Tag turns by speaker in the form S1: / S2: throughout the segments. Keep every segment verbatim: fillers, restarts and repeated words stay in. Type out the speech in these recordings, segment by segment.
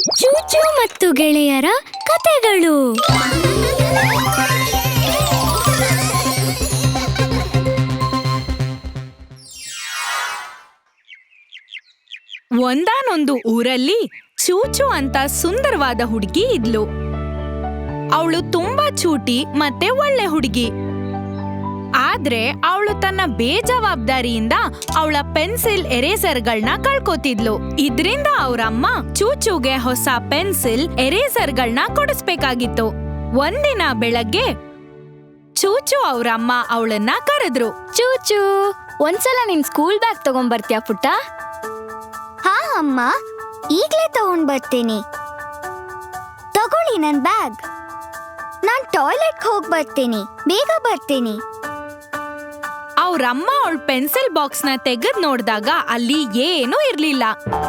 S1: ಚೂಚು ಮತ್ತು ಗೆಳೆಯರ ಕತೆಗಳು.
S2: ಒಂದಾನೊಂದು ಊರಲ್ಲಿ ಚೂಚು ಅಂತ ಸುಂದರವಾದ ಹುಡುಗಿ ಇದ್ಲು. ಅವಳು ತುಂಬಾ ಚೂಟಿ ಮತ್ತೆ ಒಳ್ಳೆ ಹುಡುಗಿ. ಆದ್ರೆ ಅವಳು ತನ್ನ ಬೇಜವಾಬ್ದಾರಿಯಿಂದ ಅವಳ ಪೆನ್ಸಿಲ್ ಎರೇಸರ್ಗಳನ್ನ ಕಳ್ಕೊತಿದ್ಲು. ಇದ್ರಿಂದ ಅವ್ರಮ್ಮ ಚೂಚುಗೆ ಹೊಸ ಪೆನ್ಸಿಲ್ ಎರೇಸರ್ಗಳನ್ನ ಕೊಡಿಸ್ಬೇಕಾಗಿತ್ತು. ಒಂದಿನ ಬೆಳಗ್ಗೆ ಚೂಚು ಅವ್ರಮ್ಮ ಅವಳನ್ನ ಕರೆದ್ರು.
S1: ಚೂಚು, ಒಂದ್ಸಲ ನಿನ್ ಸ್ಕೂಲ್ ಬ್ಯಾಗ್ ತಗೊಂಡ್ಬರ್ತೀಯಾ ಪುಟ್ಟ?
S3: ಹಾ ಅಮ್ಮ, ಈಗ್ಲೇ ತಗೊಂಡ್ ಬರ್ತೀನಿ. ತಗೊಳ್ಳಿ ನನ್ ಬ್ಯಾಗ್. ನಾನ್ ಟಾಯ್ಲೆಟ್ ಹೋಗ್ ಬರ್ತೀನಿ, ಬೇಗ ಬರ್ತೀನಿ.
S2: ಅವ್ರಮ್ಮ ಅವಳ ಪೆನ್ಸಿಲ್ ಬಾಕ್ಸ್ ನ ತೆಗೆದ್ ನೋಡ್ದಾಗ ಅಲ್ಲಿ ಏನೂ ಇರ್ಲಿಲ್ಲ.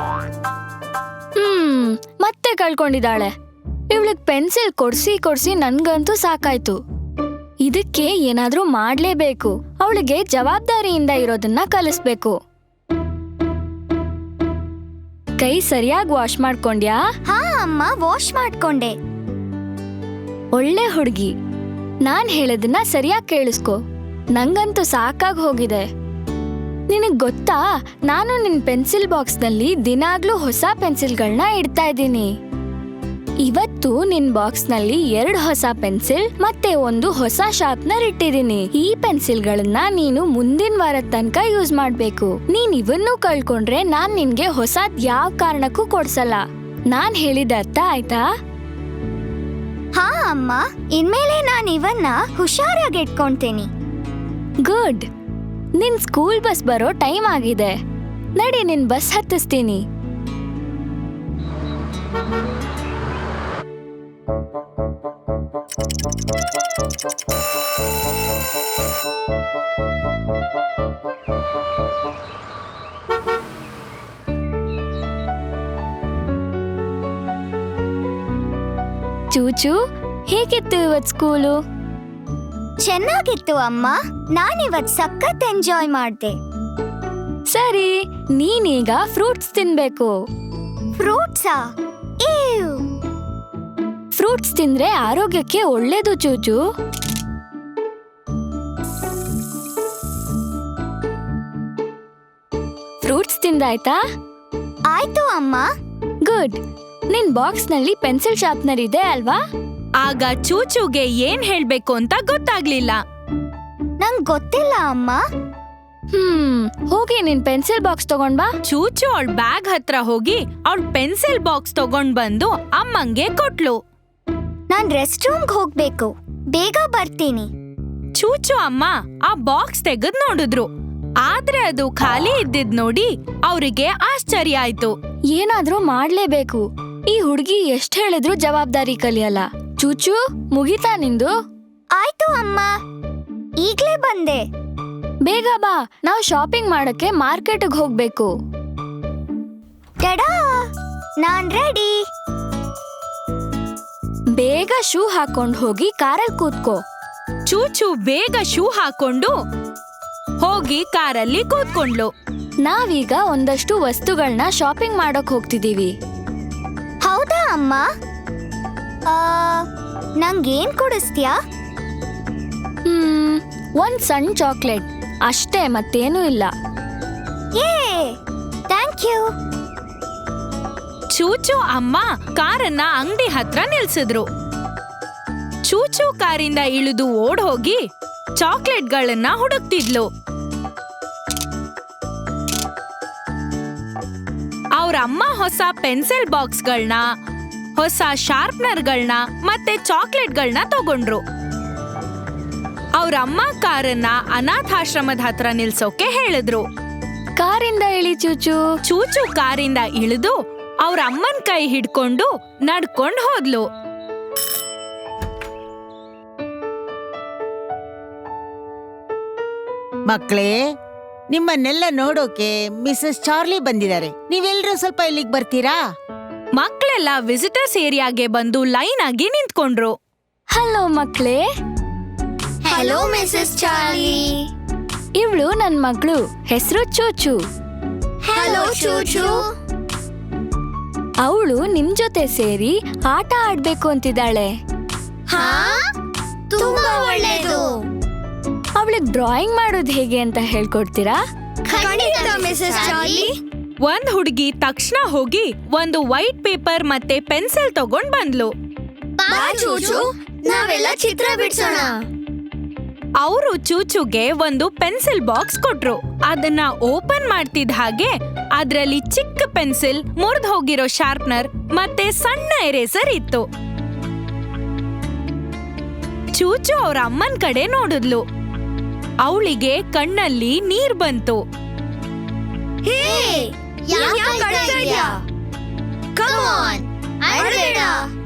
S1: ಹ್ಮ್ ಮತ್ತೆ ಕಳ್ಕೊಂಡಿದ್ದಾಳೆ. ಇವಳಿಗೆ ಪೆನ್ಸಿಲ್ ಕೊಡ್ಸಿ ಕೊಡ್ಸಿ ನನ್ಗಂತೂ ಸಾಕಾಯ್ತು. ಇದಕ್ಕೆ ಏನಾದ್ರೂ ಮಾಡ್ಲೇಬೇಕು. ಅವಳಿಗೆ ಜವಾಬ್ದಾರಿಯಿಂದ ಇರೋದನ್ನ ಕಲಿಸ್ಬೇಕು. ಕೈ ಸರಿಯಾಗಿ ವಾಶ್ ಮಾಡ್ಕೊಂಡ್ಯಾ?
S3: ಹಾ ಅಮ್ಮ, ವಾಶ್ ಮಾಡ್ಕೊಂಡೆ.
S1: ಒಳ್ಳೆ ಹುಡುಗಿ. ನಾನ್ ಹೇಳೋದನ್ನ ಸರಿಯಾಗಿ ಕೇಳಿಸ್ಕೊ. ನಂಗಂತೂ ಸಾಕಾಗಿ ಹೋಗಿದೆ. ನಿನಗ್ ಗೊತ್ತಾ, ನಾನು ನಿನ್ ಪೆನ್ಸಿಲ್ ಬಾಕ್ಸ್ ನಲ್ಲಿ ದಿನಾಗ್ಲೂ ಹೊಸ ಪೆನ್ಸಿಲ್ಗಳನ್ನ ಇಡ್ತಾ ಇದ್ದೀನಿ. ಇವತ್ತು ನಿನ್ ಬಾಕ್ಸ್ ನಲ್ಲಿ ಎರಡು ಹೊಸ ಪೆನ್ಸಿಲ್ ಮತ್ತೆ ಒಂದು ಹೊಸ ಶಾರ್ಪ್ನರ್ ಇಟ್ಟಿದ್ದೀನಿ. ಈ ಪೆನ್ಸಿಲ್ಗಳನ್ನ ನೀನು ಮುಂದಿನ ವಾರದ ತನಕ ಯೂಸ್ ಮಾಡ್ಬೇಕು. ನೀನ್ ಇವನ್ನೂ ಕಳ್ಕೊಂಡ್ರೆ ನಾನ್ ನಿನ್ಗೆ ಹೊಸದ್ ಯಾವ ಕಾರಣಕ್ಕೂ ಕೊಡ್ಸಲ್ಲ. ನಾನ್ ಹೇಳಿದ ಅರ್ಥ ಆಯ್ತಾ?
S3: ಹಾ ಅಮ್ಮ, ಇನ್ಮೇಲೆ ನಾನ್ ಇವನ್ನ ಹುಷಾರಾಗಿ ಇಟ್ಕೊಂತೀನಿ.
S1: ಗುಡ್. ನಿನ್ ಸ್ಕೂಲ್ ಬಸ್ ಬರೋ ಟೈಮ್ ಆಗಿದೆ. ನಡಿ, ನಿನ್ ಬಸ್ ಹತ್ತಿಸ್ತೀನಿ. ಚೂಚು, ಹೇಗಿತ್ತು ಇವತ್ ಸ್ಕೂಲು?
S3: ಚೆನ್ನಾಗಿತ್ತು ಅಮ್ಮ. ನಾನಿವತ್ ಸಖತ್ ಎಂಜಾಯ್ ಮಾಡ್ದೆ.
S1: ಸರಿ, ನೀನೀಗ ಫ್ರೂಟ್ಸ್ ತಿನ್ಬೇಕು.
S3: ಫ್ರೂಟ್ಸಾ? ಏವ್!
S1: ಫ್ರೂಟ್ಸ್ ತಿಂದ್ರೆ ಆರೋಗ್ಯಕ್ಕೆ ಒಳ್ಳೇದು ಚೂಚು. ಫ್ರೂಟ್ಸ್ ತಿಂದಾಯ್ತಾ?
S3: ಆಯ್ತು ಅಮ್ಮ.
S1: ಗುಡ್. ನಿನ್ ಬಾಕ್ಸ್ ನಲ್ಲಿ ಪೆನ್ಸಿಲ್ ಶಾರ್ಪ್ನರ್ ಇದೆ ಅಲ್ವಾ?
S2: ಆಗ ಚೂಚುಗೆ ಏನ್ ಹೇಳ್ಬೇಕು ಅಂತ ಗೊತ್ತಾಗ್ಲಿಲ್ಲ.
S3: ನಂಗ್ ಗೊತ್ತಿಲ್ಲ ಅಮ್ಮ.
S1: ಹ್ಮ್ ಹೋಗಿ ನಿನ್ ಪೆನ್ಸಿಲ್ ಬಾಕ್ಸ್ ತಗೊಂಡ್ ಬಾ.
S2: ಚೂಚು ಅವಳ ಬ್ಯಾಗ್ ಹತ್ರ ಹೋಗಿ ಅವಳ ಪೆನ್ಸಿಲ್ ಬಾಕ್ಸ್ ತಗೊಂಡ್ ಬಂದು ಅಮ್ಮಂಗೆ ಕೊಟ್ಲು.
S3: ನಾನ್ ರೆಸ್ಟ್ ರೂಮ್ಗೆ ಹೋಗ್ಬೇಕು, ಬೇಗ ಬರ್ತೀನಿ.
S2: ಚೂಚು ಅಮ್ಮ ಆ ಬಾಕ್ಸ್ ತೆಗೆದ್ ನೋಡಿದ್ರು. ಆದ್ರೆ ಅದು ಖಾಲಿ ಇದ್ದಿದ್ ನೋಡಿ ಅವ್ರಿಗೆ ಆಶ್ಚರ್ಯ ಆಯ್ತು.
S1: ಏನಾದ್ರೂ ಮಾಡ್ಲೇಬೇಕು. ಈ ಹುಡುಗಿ ಎಷ್ಟ್ ಹೇಳಿದ್ರು ಜವಾಬ್ದಾರಿ ಕಲಿಯಲ್ಲ. ಚೂಚು, ಮುಗಿತಾ ನಿಂದು?
S3: ಆಯ್ತು ಅಮ್ಮ, ಈಗ್ಲೇ ಬಂದೆ.
S1: ಬೇಗ ಬಾ, ನಾವು ಶಾಪಿಂಗ್ ಮಾಡಕ್ಕೆ ಮಾರ್ಕೆಟ್ಗೆ ಹೋಗ್ಬೇಕು.
S3: ಟಡಾ, ನಾನ್ ರೆಡಿ.
S1: ಬೇಗ ಶೂ ಹಾಕೊಂಡ್ ಹೋಗಿ ಕಾರಲ್ಲಿ ಕೂತ್ಕೋ.
S2: ಚೂಚು ಬೇಗ ಶೂ ಹಾಕೊಂಡು ಹೋಗಿ ಕಾರಲ್ಲಿ ಕೂತ್ಕೊಂಡ್ಲು.
S1: ನಾವೀಗ ಒಂದಷ್ಟು ವಸ್ತುಗಳನ್ನ ಶಾಪಿಂಗ್ ಮಾಡಕ್ ಹೋಗ್ತಿದೀವಿ.
S3: ಹೌದಾ ಅಮ್ಮ? ಆ, ನಂಗೇನ್ ಕೊಡಿಸ್ತೀಯಾ?
S1: ಹ್ಮ್ ಒಂದ್ ಸಣ್ಣ ಚಾಕ್ಲೇಟ್ ಅಷ್ಟೇ, ಮತ್ತೇನೂ ಇಲ್ಲ.
S3: ಏ, ಥ್ಯಾಂಕ್ ಯು.
S2: ಚೂಚು ಅಮ್ಮ ಕಾರನ್ನ ಅಂಗಡಿ ಹತ್ರ ನಿಲ್ಸಿದ್ರು. ಚೂಚು ಕಾರಿಂದ ಇಳಿದು ಓಡ್ ಹೋಗಿ ಚಾಕ್ಲೇಟ್ಗಳನ್ನ ಹುಡುಕ್ತಿದ್ಲು. ಅವ್ರಮ್ಮ ಹೊಸ ಪೆನ್ಸಿಲ್ ಬಾಕ್ಸ್ಗಳನ್ನ, ಹೊಸ ಶಾರ್ಪ್ನರ್ಗಳನ್ನ ಮತ್ತೆ ಚಾಕ್ಲೇಟ್ಗಳನ್ನ ತಗೊಂಡ್ರು. ಅವ್ರಮ್ಮ ಕಾರನ್ನ ಅನಾಥಾಶ್ರಮದ ಹತ್ರ ನಿಲ್ಸೋಕೆ ಹೇಳಿದ್ರು.
S1: ಕಾರಿಂದ ಇಳಿ ಚೂಚು.
S2: ಚೂಚು ಕಾರಿಂದ ಇಳಿದು ಅವ್ರ ಅಮ್ಮನ್ ಕೈ ಹಿಡ್ಕೊಂಡು ನಡ್ಕೊಂಡ್ ಹೋದ್ಲು.
S4: ಮಕ್ಕಳೇ, ನಿಮ್ಮನ್ನೆಲ್ಲ ನೋಡೋಕೆ ಮಿಸಸ್ ಚಾರ್ಲಿ ಬಂದಿದ್ದಾರೆ. ನೀವೆಲ್ಲರೂ ಸ್ವಲ್ಪ ಇಲ್ಲಿಗೆ ಬರ್ತೀರಾ?
S2: ಮಕ್ಕಳೆಲ್ಲ ವಿಸಿಟರ್ಸ್ ಏರಿಯಾಗೆ ಬಂದು ಲೈನ್ ಆಗಿ ನಿಂತ್ಕೊಂಡ್ರು.
S1: ಹಲೋ ಮಕ್ಳೇ.
S3: Hello Mrs Charlie.
S1: ಇವಳು ನನ್ ಮಗಳು, ಹೆಸರು ಚೂಚು.
S3: ಹಲೋ ಚೂಚು.
S1: ಅವಳು ನಿಮ್ ಜೊತೆ ಸೇರಿ ಆಟ ಆಡ್ಬೇಕು ಅಂತಿದ್ದಾಳೆ.
S3: ಹಾ ತುಂಬಾ ಒಳ್ಳೇದು.
S1: ಅವಳಿಗೆ ಡ್ರಾಯಿಂಗ್ ಮಾಡೋದು ಹೇಗೆ ಅಂತ ಹೇಳ್ಕೊಡ್ತೀರಾ?
S3: ಖಂಡಿತ ಮಿಸಸ್ ಚಾರ್ಲಿ.
S2: ಒಂದ್ ಹುಡುಗಿ ತಕ್ಷಣ ಹೋಗಿ ಒಂದು ವೈಟ್ ಪೇಪರ್ ಮತ್ತೆ ಪೆನ್ಸಿಲ್ ತಗೊಂಡ್ ಬಂದ್ಲು.
S3: ಬಾ ಚೂಚು, ನಾವೆಲ್ಲ ಚಿತ್ರ ಬಿಡ್ಸೋಣ.
S2: ಅವರು ಚೂಚುಗೆ ಒಂದು ಪೆನ್ಸಿಲ್ ಬಾಕ್ಸ್ ಕೊಟ್ರು. ಅದನ್ನ ಓಪನ್ ಮಾಡ್ತಿದ್ದ ಹಾಗೆ ಅದ್ರಲ್ಲಿ ಚಿಕ್ಕ ಪೆನ್ಸಿಲ್, ಮುರಿದು ಹೋಗಿರೋ ಶಾರ್ಪ್ನರ್ ಮತ್ತೆ ಸಣ್ಣ ಎರೇಸರ್ ಇತ್ತು. ಚೂಚು ಅವ್ರ ಅಮ್ಮನ್ ಕಡೆ ನೋಡಿದ್ಲು. ಅವಳಿಗೆ ಕಣ್ಣಲ್ಲಿ ನೀರ್ ಬಂತು.
S3: ಹೇ, ಯಾಕೆ ಅಳ್ತಾ ಇದ್ಯಾ? ಕಮ್ ಆನ್, ಅಳ್ಬೇಡ.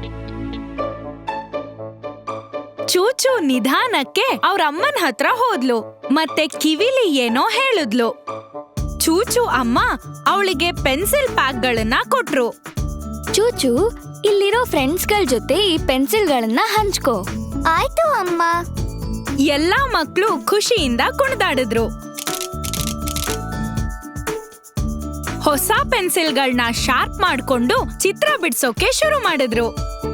S2: ಚೂಚು ನಿಧಾನಕ್ಕೆ ಅವ್ರ ಅಮ್ಮನ ಹತ್ರ ಹೋದ್ಲು ಮತ್ತೆ ಕಿವಿಲಿ ಏನೋ ಹೇಳಿದ್ಲು. ಚೂಚು ಅಮ್ಮ ಅವಳಿಗೆ ಪೆನ್ಸಿಲ್ ಪ್ಯಾಕ್ಗಳನ್ನ ಕೊಟ್ರು.
S1: ಚೂಚು, ಇಲ್ಲಿರೋ ಫ್ರೆಂಡ್ಸ್ಗಳ ಜೊತೆ ಈ ಪೆನ್ಸಿಲ್ಗಳನ್ನ ಹಂಚ್ಕೋ.
S3: ಆಯ್ತು ಅಮ್ಮ.
S2: ಎಲ್ಲಾ ಮಕ್ಳು ಖುಷಿಯಿಂದ ಕುಣಿದಾಡಿದ್ರು. ಹೊಸ ಪೆನ್ಸಿಲ್ಗಳನ್ನ ಶಾರ್ಪ್ ಮಾಡ್ಕೊಂಡು ಚಿತ್ರ ಬಿಡ್ಸೋಕೆ ಶುರು ಮಾಡಿದ್ರು.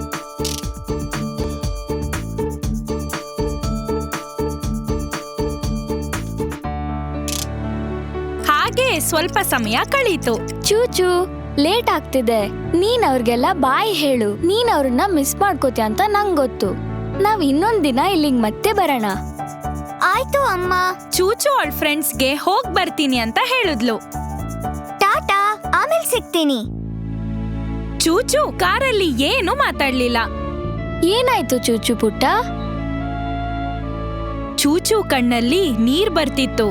S2: ಹಾಗೆ ಸ್ವಲ್ಪ ಸಮಯ ಕಳೀತು.
S1: ಚೂಚು, ಲೇಟ್ ಆಗ್ತಿದೆ. ನೀನ್ ಅವ್ರಿಗೆಲ್ಲ ಬಾಯ್ ಹೇಳು. ನೀನ್ ಅವ್ರನ್ನ ಮಿಸ್ ಮಾಡ್ಕೋತೀಯ ಅಂತ ನಂಗ್ ಗೊತ್ತು. ನಾವ್ ಇನ್ನೊಂದ್ ದಿನ ಇಲ್ಲಿಗ್ ಮತ್ತೆ ಬರೋಣ.
S3: ಆಯ್ತು ಅಮ್ಮ.
S2: ಚೂಚು ಅವಳ ಫ್ರೆಂಡ್ಸ್ಗೆ ಹೋಗ್ ಬರ್ತೀನಿ ಅಂತ ಹೇಳಿದ್ಲು.
S3: ಟಾಟಾ, ಆಮೇಲೆ ಸಿಗ್ತೀನಿ.
S2: ಚೂಚು ಕಾರಲ್ಲಿ ಏನು ಮಾತಾಡ್ಲಿಲ್ಲ.
S1: ಏನಾಯ್ತು ಚೂಚು ಪುಟ್ಟ?
S2: ಚೂಚು ಕಣ್ಣಲ್ಲಿ ನೀರ್ ಬರ್ತಿತ್ತು.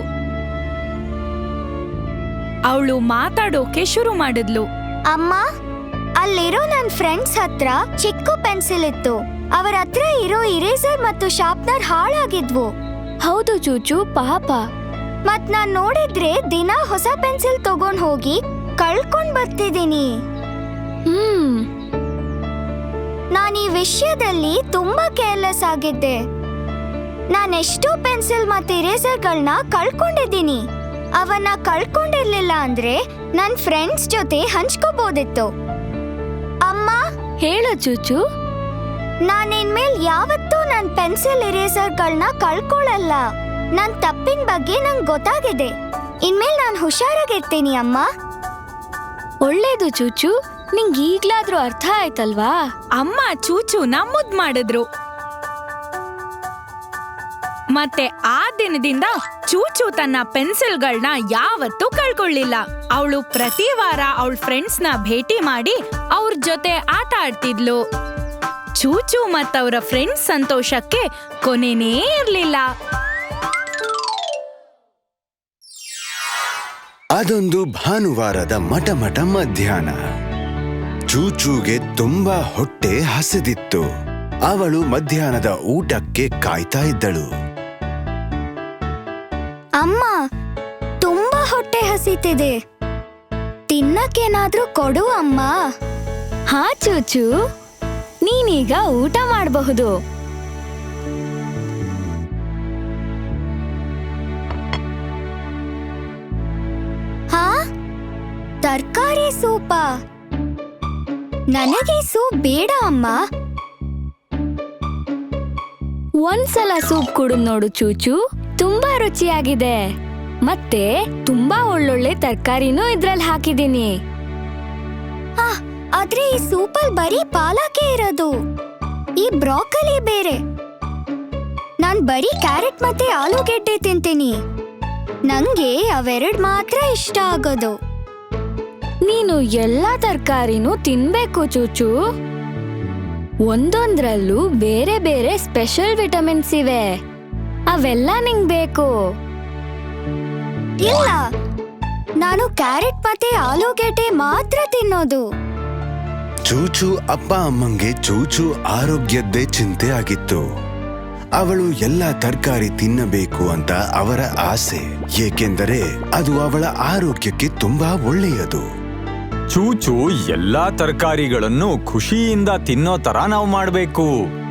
S2: ಅವಳು ಮಾತಾಡೋಕೆ ಶುರು ಮಾಡಿದ್ಲು.
S3: ಅಮ್ಮ, ಅಲ್ಲಿರೋ ನನ್ ಫ್ರೆಂಡ್ಸ್ ಹತ್ರ ಚಿಕ್ಕ ಪೆನ್ಸಿಲ್ ಇತ್ತು. ಅವರ ಹತ್ರ ಇರೋ ಇರೇಸರ್ ಮತ್ತು ಶಾರ್ಪ್ನರ್ ಹಾಳಾಗಿದ್ವು.
S1: ಹೌದು ಚೂಚು, ಪಾಪ.
S3: ಮತ್ ನಾನ್ ನೋಡಿದ್ರೆ ದಿನ ಹೊಸ ಪೆನ್ಸಿಲ್ ತಗೊಂಡ್ ಹೋಗಿ ಕಳ್ಕೊಂಡ್ ಬರ್ತಿದ್ದೀನಿ.
S1: ಹ್ಮ್
S3: ನಾನ್ ಈ ವಿಷಯದಲ್ಲಿ ತುಂಬಾ ಕೇರ್ಲೆಸ್ ಆಗಿದ್ದೆ. ನಾನೆಷ್ಟೋ ಪೆನ್ಸಿಲ್ ಮತ್ತೆ ಇರೇಸರ್ಗಳನ್ನ ಕಳ್ಕೊಂಡಿದ್ದೀನಿ. ಅವನ್ನ ಕಳ್ಕೊಂಡಿರ್ಲಿಲ್ಲ ಅಂದ್ರೆ ನನ್ ಫ್ರೆಂಡ್ಸ್ ಜೊತೆ ಹಂಚ್ಕೋಬಹುದಿತ್ತು. ಅಮ್ಮ,
S1: ಹೇಳು ಚೂಚು.
S3: ನಾನಿನ್ಮೇಲ್ ಯಾವತ್ತೂ ನನ್ ಪೆನ್ಸಿಲ್ ಇರೇಸರ್ಗಳನ್ನ ಕಳ್ಕೊಳ್ಳಲ್ಲ. ನನ್ ತಪ್ಪಿನ ಬಗ್ಗೆ ನಂಗ್ ಗೊತ್ತಾಗಿದೆ. ಇನ್ಮೇಲ್ ನಾನ್ ಹುಷಾರಾಗಿರ್ತೀನಿ ಅಮ್ಮ.
S1: ಒಳ್ಳೇದು ಚೂಚು, ನಿಂಗ್ ಈಗ್ಲಾದ್ರೂ ಅರ್ಥ ಆಯ್ತಲ್ವಾ?
S2: ಅಮ್ಮ ಚೂಚುನ ಮುದ್ ಮಾಡಿದ್ರು. ಮತ್ತೆ ಆ ದಿನದಿಂದ ಚೂಚು ತನ್ನ ಪೆನ್ಸಿಲ್ಗಳನ್ನ ಯಾವತ್ತೂ ಕಳ್ಕೊಳ್ಳಿಲ್ಲ. ಅವಳು ಪ್ರತಿ ವಾರ ಅವಳ ಫ್ರೆಂಡ್ಸ್ನ ಭೇಟಿ ಮಾಡಿ ಅವ್ರ ಜೊತೆ ಆಟ ಆಡ್ತಿದ್ಲು. ಚೂಚು ಮತ್ತವರ ಫ್ರೆಂಡ್ಸ್ ಸಂತೋಷಕ್ಕೆ ಕೊನೆನೇ ಇರ್ಲಿಲ್ಲ.
S5: ಅದೊಂದು ಭಾನುವಾರದ ಮಟಮಟ ಮಧ್ಯಾಹ್ನ. ಚೂಚೂಗೆ ತುಂಬಾ ಹೊಟ್ಟೆ ಹಸಿದಿತ್ತು. ಅವಳು ಮಧ್ಯಾಹ್ನದ ಊಟಕ್ಕೆ ಕಾಯ್ತಾ ಇದ್ದಳು.
S3: ಅಮ್ಮ, ತುಂಬಾ ಹೊಟ್ಟೆ ಹಸಿತಿದೆ. ತಿನ್ನಕ್ಕೇನಾದ್ರೂ ಕೊಡು ಅಮ್ಮ.
S1: ಹಾ ಚೂಚು, ನೀನೀಗ ಊಟ ಮಾಡಬಹುದು.
S3: ಹಾ, ತರಕಾರಿ ಸೂಪ? ನನಗೆ ಸೂಪ್ ಬೇಡ ಅಮ್ಮ.
S1: ಒಂದ್ಸಲ ಸೂಪ್ ಕುಡಿದು ನೋಡು ಚೂಚು, ತುಂಬಾ ರುಚಿಯಾಗಿದೆ. ಮತ್ತೆ ತುಂಬಾ ಒಳ್ಳೊಳ್ಳೆ ತರಕಾರಿನೂ ಇದ್ರಲ್ಲಿ ಹಾಕಿದೀನಿ.
S3: ಆ, ಆದ್ರೆ ಈ ಸೂಪಲ್ ಬರೀ ಪಾಲಕೆ ಇರೋದು. ಈ ಬ್ರಾಕಲಿ ಬೇರೆ. ನಾನ್ ಬರೀ ಕ್ಯಾರೆಟ್ ಮತ್ತೆ ಆಲೂಗೆಡ್ಡೆ ತಿಂತೀನಿ. ನಂಗೆ ಅವೆರಡ್ ಮಾತ್ರ ಇಷ್ಟ ಆಗೋದು.
S1: ನೀನು ಎಲ್ಲಾ ತರಕಾರಿನೂ ತಿನ್ಬೇಕು ಚೂಚು. ಒಂದೊಂದ್ರಲ್ಲೂ ಬೇರೆ ಬೇರೆ ಸ್ಪೆಷಲ್ ವಿಟಮಿನ್ಸ್ ಇವೆ. ಅವೆಲ್ಲ ನಿಂಗ್ ಬೇಕು.
S3: ಇಲ್ಲ, ನಾನು ಕ್ಯಾರೆಟ್ ಮತ್ತೆ ಆಲೂಗೆಡ್ಡೆ ಮಾತ್ರ ತಿನ್ನೋದು.
S5: ಚೂಚು ಅಪ್ಪ ಅಮ್ಮಂಗೆ ಚೂಚು ಆರೋಗ್ಯದ್ದೇ ಚಿಂತೆ ಆಗಿತ್ತು. ಅವಳು ಎಲ್ಲ ತರಕಾರಿ ತಿನ್ನಬೇಕು ಅಂತ ಅವರ ಆಸೆ, ಏಕೆಂದರೆ ಅದು ಅವಳ ಆರೋಗ್ಯಕ್ಕೆ ತುಂಬಾ ಒಳ್ಳೆಯದು.
S6: ಚೂಚು ಎಲ್ಲಾ ತರಕಾರಿಗಳನ್ನು ಖುಷಿಯಿಂದ ತಿನ್ನೋ ತರ ನಾವು ಮಾಡ್ಬೇಕು.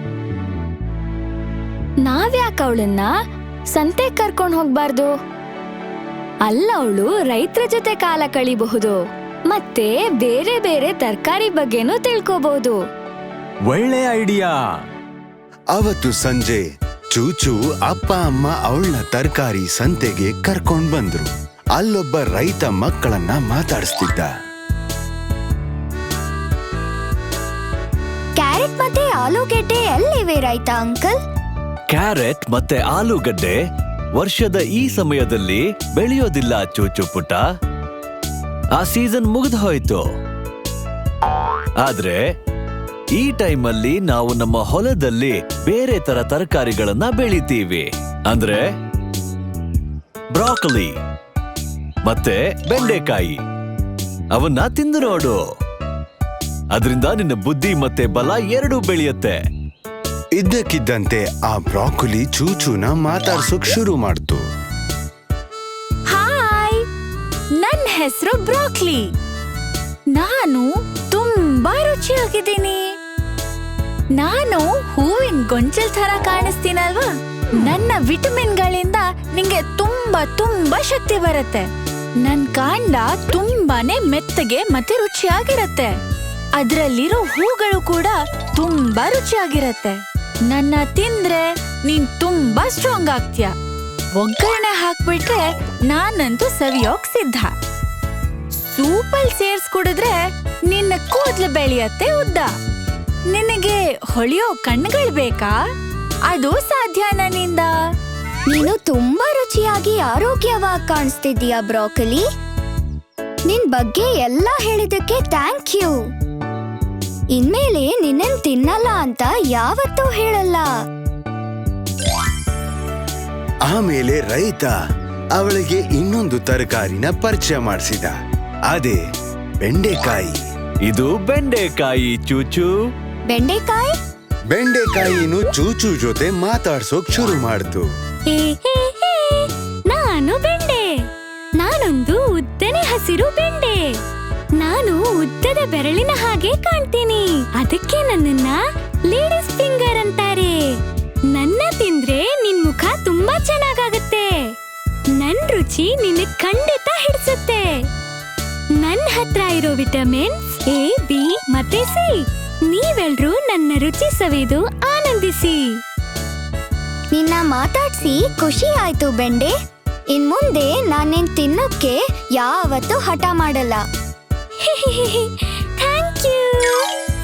S1: ನಾವ್ಯಾಕೆ ಅವಳನ್ನ ಸಂತೆ ಕರ್ಕೊಂಡು ಹೋಗ್ಬಾರ್ದು? ಅಲ್ಲ, ಅವಳು ರೈತರ ಜೊತೆ ಕಾಲ ಕಳಿಬಹುದು. ಮತ್ತೆ ಬೇರೆ ಬೇರೆ ತರಕಾರಿ ಬಗ್ಗೆನೂ ತಿಳ್ಕೋಬಹುದು.
S6: ಒಳ್ಳೆ ಐಡಿಯಾ.
S5: ಅವತ್ತು ಸಂಜೆ ಚೂಚು ಅಪ್ಪ ಅಮ್ಮ ಅವಳನ್ನ ತರಕಾರಿ ಸಂತೆಗೆ ಕರ್ಕೊಂಡ್ ಬಂದ್ರು. ಅಲ್ಲೊಬ್ಬ ರೈತ ಮಕ್ಕಳನ್ನ ಮಾತಾಡಿಸ್ತಿದ್ದ.
S3: ಕ್ಯಾರೆಟ್ ಮತ್ತೆ ಆಲೂಗೆಡ್ಡೆ ಎಲ್ಲಿವೆ ರೈತ ಅಂಕಲ್?
S7: ಕ್ಯಾರೆಟ್ ಮತ್ತೆ ಆಲೂಗಡ್ಡೆ ವರ್ಷದ ಈ ಸಮಯದಲ್ಲಿ ಬೆಳೆಯೋದಿಲ್ಲ ಚೂಚು ಪುಟ್ಟ. ಆ ಸೀಸನ್ ಮುಗಿದು ಹೋಯ್ತು. ಆದ್ರೆ ಈ ಟೈಮಲ್ಲಿ ನಾವು ನಮ್ಮ ಹೊಲದಲ್ಲಿ ಬೇರೆ ತರ ತರಕಾರಿಗಳನ್ನ ಬೆಳಿತೀವಿ. ಅಂದ್ರೆ ಬ್ರಾಕೊಲಿ ಮತ್ತೆ ಬೆಂಡೆಕಾಯಿ. ಅವನ್ನ ತಿಂದು ನೋಡು. ಅದರಿಂದ ನಿನ್ನ ಬುದ್ಧಿ ಮತ್ತೆ ಬಲ ಎರಡೂ ಬೆಳೆಯುತ್ತೆ.
S5: ಇದ್ದಕ್ಕಿದ್ದಂತೆ ಆ ಬ್ರಾಕೊಲಿ ಚೂಚುನ ಮಾತಾಡ್ಸೋಕ್ ಶುರು ಮಾಡ್ತು.
S2: ಹಾಯ್, ನನ್ನ ಹೆಸರು ಬ್ರಾಕ್ಲಿ. ನಾನು ತುಂಬಾ ರುಚಿಯಾಗಿದ್ದೀನಿ. ನಾನು ಹೂವಿನ ಗೊಂಚಲ್ ತರ ಕಾಣಿಸ್ತೀನಲ್ವಾ? ನನ್ನ ವಿಟಮಿನ್ಗಳಿಂದ ನಿಂಗೆ ತುಂಬಾ ತುಂಬಾ ಶಕ್ತಿ ಬರುತ್ತೆ. ನನ್ ಕಾಂಡ ತುಂಬಾನೇ ಮೆತ್ತಗೆ ಮತ್ತೆ ರುಚಿಯಾಗಿರತ್ತೆ. ಅದ್ರಲ್ಲಿರೋ ಹೂಗಳು ಕೂಡ ತುಂಬಾ ರುಚಿಯಾಗಿರತ್ತೆ. ನನ್ನ ತಿಂದ್ರೆ ನೀನ್ ತುಂಬಾ ಸ್ಟ್ರಾಂಗ್ ಆಗ್ತೀಯ. ಒಗ್ಗರಣೆ ಹಾಕ್ಬಿಟ್ರೆ ನಾನಂತೂ ಸವಿಯೋಕ್ ಸಿದ್ಧ. ಸೂಪಲ್ ಸೇರ್ಸ್ ಕುಡಿದ್ರೆ ನಿನ್ನ ಕೂದ್ಲು ಬೆಳೆಯತ್ತೆ ಉದ್ದ. ನಿನಗೆ ಹೊಳೆಯೋ ಕಣ್ಣುಗಳು ಬೇಕಾ? ಅದು ಸಾಧ್ಯ ನನ್ನಿಂದ.
S3: ನೀನು ತುಂಬಾ ರುಚಿಯಾಗಿ ಆರೋಗ್ಯವಾಗಿ ಕಾಣಿಸ್ತಿದ್ದೀಯಾ ಬ್ರಾಕೊಲಿ. ನಿನ್ ಬಗ್ಗೆ ಎಲ್ಲ ಹೇಳಿದಕ್ಕೆ ಥ್ಯಾಂಕ್ ಯು. ಇನ್ಮೇಲೆ ನಿನ್ನನ್ ತಿನ್ನಲ್ಲ ಅಂತ ಯಾವತ್ತೂ ಹೇಳಲ್ಲ.
S5: ಆಮೇಲೆ ರೈತ ಅವಳಿಗೆ ಇನ್ನೊಂದು ತರಕಾರಿನ ಪರಿಚಯ ಮಾಡಿಸಿದ. ಅದೇ ಬೆಂಡೆಕಾಯಿ.
S7: ಇದು ಬೆಂಡೆಕಾಯಿ ಚೂಚು.
S3: ಬೆಂಡೆಕಾಯಿ?
S5: ಬೆಂಡೆಕಾಯಿನು ಚೂಚು ಜೊತೆ ಮಾತಾಡ್ಸೋಕ್ ಶುರು ಮಾಡ್ತು.
S1: ಹೇ ಹೇ ಹೇ, ನಾನು ಬೆಂಡೆ. ನಾನೊಂದು ಉದ್ದನೆ ಹಸಿರು ಬೆಂಡೆ. ನಾನು ಉದ್ದದ ಬೆರಳಿನ ಹಾಗೆ ಕಾಣ್ತೀನಿ. ಅದಕ್ಕೆ ನನ್ನನ್ನ ಲೇಡೀಸ್ ಫಿಂಗರ್ ಅಂತಾರೆ. ನನ್ನ ತಿಂದ್ರೆ ನಿನ್ ಮುಖ ತುಂಬಾ ಚೆನ್ನಾಗಾಗತ್ತೆ. ನನ್ ರುಚಿ ನಿನ್ನ ಖಂಡಿತ ಹಿಡಿಸುತ್ತೆ. ನನ್ ಹತ್ರ ಇರೋ ವಿಟಮಿನ್ಸ್ ಎ, ಬಿ ಮತ್ತೆ ಸಿ. ನೀವೆಲ್ರೂ ನನ್ನ ರುಚಿ ಸವಿದು ಆನಂದಿಸಿ.
S3: ನಿನ್ನ ಮಾತಾಡ್ಸಿ ಖುಷಿ ಆಯ್ತು ಬೆಂಡೆ. ಇನ್ ಮುಂದೆ ನಾನೇನ್ ತಿನ್ನೋಕ್ಕೆ ಯಾವತ್ತೂ ಹಠ ಮಾಡಲ್ಲ.
S1: Thank you.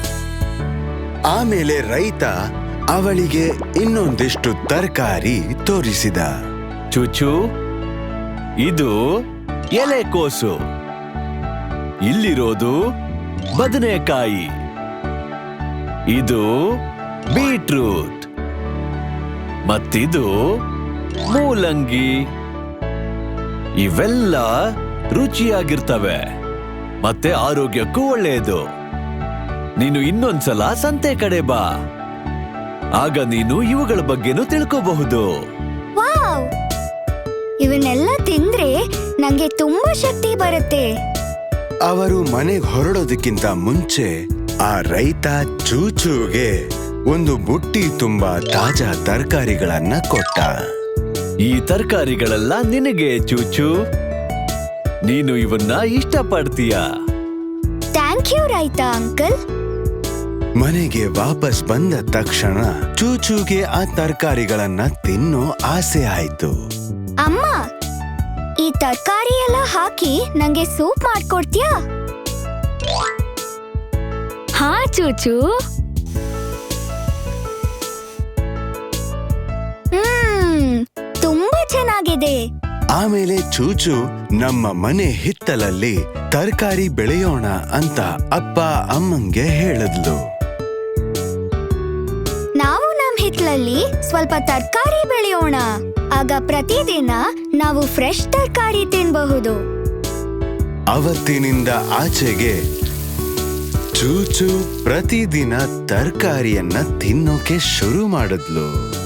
S5: ಆಮೇಲೆ ರೈತ ಅವಳಿಗೆ ಇನ್ನೊಂದಿಷ್ಟು ತರಕಾರಿ ತೋರಿಸಿದ.
S7: ಚೂಚು, ಇದು ಎಲೆಕೋಸು. ಇಲ್ಲಿರೋದು ಬದನೆಕಾಯಿ. ಇದು ಬೀಟ್ರೂಟ್. ಮತ್ತಿದು ಮೂಲಂಗಿ. ಇವೆಲ್ಲ ರುಚಿಯಾಗಿರ್ತವೆ ಮತ್ತೆ ಆರೋಗ್ಯಕ್ಕೂ ಒಳ್ಳೆಯದು. ನೀನು ಇನ್ನೊಂದ್ಸಲ ಸಂತೆ ಕಡೆ ಬಾ. ಆಗ ನೀನು ಇವುಗಳ ಬಗ್ಗೆನೂ ತಿಳ್ಕೋಬಹುದು.
S3: ವಾವ್, ಇವನ್ನೆಲ್ಲ ತಿಂದ್ರೆ ನಂಗೆ ತುಂಬಾ ಶಕ್ತಿ ಬರುತ್ತೆ.
S5: ಅವರು ಮನೆಗೆ ಹೊರಡೋದಕ್ಕಿಂತ ಮುಂಚೆ ಆ ರೈತ ಚೂಚುಗೆ ಒಂದು ಬುಟ್ಟಿ ತುಂಬಾ ತಾಜಾ ತರಕಾರಿಗಳನ್ನ ಕೊಟ್ಟ.
S7: ಈ ತರಕಾರಿಗಳೆಲ್ಲ ನಿನಗೆ ಚೂಚು. ನೀನು ಇವನ್ನ ಇಷ್ಟಪಡ್ತೀಯ.
S3: ಥ್ಯಾಂಕ್ ಯು ರೈತ ಅಂಕಲ್.
S5: ಮನೆಗೆ ವಾಪಸ್ ಬಂದ ತಕ್ಷಣ ಚೂಚುಗೆ ಆ ತರಕಾರಿಗಳನ್ನ ತಿನ್ನೋ ಆಸೆ ಆಯ್ತು.
S3: ಅಮ್ಮ, ಈ ತರಕಾರಿ ಎಲ್ಲ ಹಾಕಿ ನಂಗೆ ಸೂಪ್ ಮಾಡ್ಕೊಡ್ತೀಯಾ?
S1: ಹಾ ಚೂಚು.
S3: ಹ್ಮ್, ತುಂಬಾ ಚೆನ್ನಾಗಿದೆ.
S5: ಆಮೇಲೆ ಚೂಚು ನಮ್ಮ ಮನೆ ಹಿತ್ತಲಲ್ಲಿ ತರಕಾರಿ ಬೆಳೆಯೋಣ ಅಂತ ಅಪ್ಪ ಅಮ್ಮಂಗೆ ಹೇಳಿದ್ಲು.
S3: ನಾವು ನಮ್ ಹಿತ್ಲಲ್ಲಿ ಸ್ವಲ್ಪ ತರಕಾರಿ ಬೆಳೆಯೋಣ. ಆಗ ಪ್ರತಿದಿನ ನಾವು ಫ್ರೆಶ್ ತರಕಾರಿ ತಿನ್ಬಹುದು.
S5: ಅವತ್ತಿನಿಂದ ಆಚೆಗೆ ಚೂಚು ಪ್ರತಿದಿನ ತರಕಾರಿಯನ್ನ ತಿನ್ನೋಕೆ ಶುರು ಮಾಡಿದ್ಲು.